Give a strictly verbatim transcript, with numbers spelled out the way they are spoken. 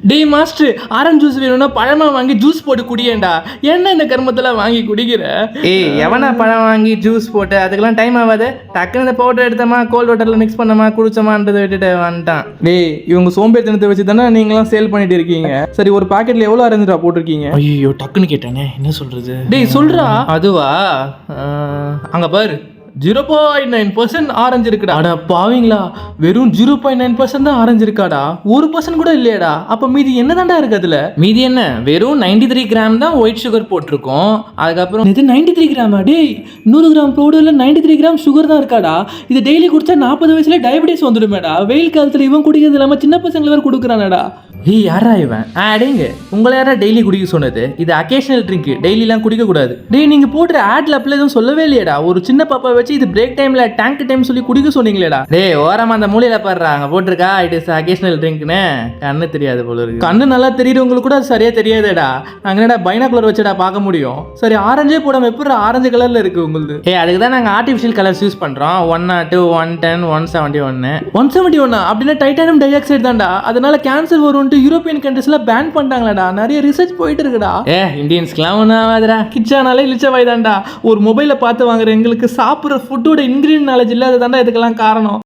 டேய் master, orange juice வேணும்னா பழமா வாங்கி ஜூஸ் போட்டு குடியேண்டா. என்ன இந்த கர்மத்தெல்லாம் வாங்கி குடிக்கிற? ஏய், எவனா பழம் வாங்கி ஜூஸ் போட்டு அதுக்கெல்லாம் டைம் ஆகாது. டக்குன்னு இந்த பவுடர் எடுத்தமா கோல்ட் வாட்டரில் மிக்ஸ் பண்ணமா குடிச்சோமான்றதை விட்டுட்டு வந்துட்டான். டேய், இவங்க சோம்பேறித்தனத்தை வச்சு தானே நீங்களாம் சேல் பண்ணிட்டு இருக்கீங்க. சரி, ஒரு பாக்கெட்ல எவ்வளோ ஆரஞ்சுடா போட்டிருக்கீங்க? ஐயோ, டக்குன்னு கேட்டானே, என்ன சொல்றது? டேய் சொல்றா. அதுவா, அங்க பாரு, zero point nine percent orange இருக்குடா. அடா பாவீங்களா, வெறும் ஜீரோ பாயிண்ட் நைன் பர்சன்ட் தான் ஆரஞ்சு இருக்காடா, ஒரு பர்சன்ட் கூட இல்லையாடா. அப்ப மீதி என்னதான்டா இருக்கு அதுல? மீதி என்ன, வெறும் நைன்டி த்ரீ கிராம் தான் ஒயிட் சுகர் போட்டிருக்கோம். அதுக்கப்புறம் இது நைன்டி த்ரீ கிராமா? டேய், நூறு கிராம் பவுடர்ல நைன்டி த்ரீ கிராம் சுகர் தான் இருக்காடா. இது டெய்லி குடிச்சா நாற்பது வயசுல டயபிட்டிஸ் வந்துடுமேடா. வெயில் காலத்துல இவன் குடிக்கிறது இல்லாம சின்ன பசங்களை வேற கொடுக்குறானடா. ஏய், யாரா இவன்? ஆடேங்க, உங்களை யாரா டெய்லி குடிக்க சொன்னது? இது அக்கேஷனல் ட்ரிங்க், டெய்லிலாம் குடிக்க கூடாது. டேய், நீங்க போடுற ஆட்ல அப்பல எதுவும் சொல்லவே இல்லையடா. ஒரு சின்ன பாப்பா வச்சு இது பிரேக் டைம்ல டேங்க் டைம் சொல்லி குடிக்க சொன்னீங்களேடா. டேய், ஓரமா அந்த மூலையில பாடுறா, அங்க போட்டிருக்கா இட் இஸ் அக்கேஷனல் ட்ரிங்க்னு. கண்ணு தெரியாது போல இருக்கு. கண்ணு நல்லா தெரியுறவங்களுக்கு கூட அது சரியா தெரியாதேடா. நாங்க என்னடா பைனாகுலர் வச்சுடா பார்க்க முடியும். சரி, ஆரஞ்சே போடாம எப்படி ஆரஞ்சு கலர்ல இருக்கு உங்களுக்கு? ஏய், அதுக்கு தான் நாங்கள் ஆர்டிஃபிஷியல் கலர்ஸ் யூஸ் பண்ணுறோம். ஒன் நாட்டு ஒன் டென் ஒன் செவன்ட்டி ஒன்னு ஒன் செவன்ட்டி ஒன்னா அப்படின்னா டைட்டானியம் டை ஆக்சைடு தான்டா. அதனால கேன்சர் வரும்ட்டு யூரோப்பியன் கண்ட்ரீஸ்ல பேன் பண்ணிட்டாங்களாடா. நிறைய ரிசர்ச் போயிட்டு இருக்குடா. ஏ, இந்தியன்ஸ்க்குலாம் ஒன்றும் ஆகாதுடா. கிச்சானாலே இழிச்ச வாய் தான்டா. ஒரு மொபைலை பார்த்து வாங்குற எங்களுக்கு சாப்பிட்ற ஃபுட்டோட இன்கிரீடியன்ட் நாலேஜ் இல்லாத தாண்டா இதுக்கெல்லாம் காரணம்.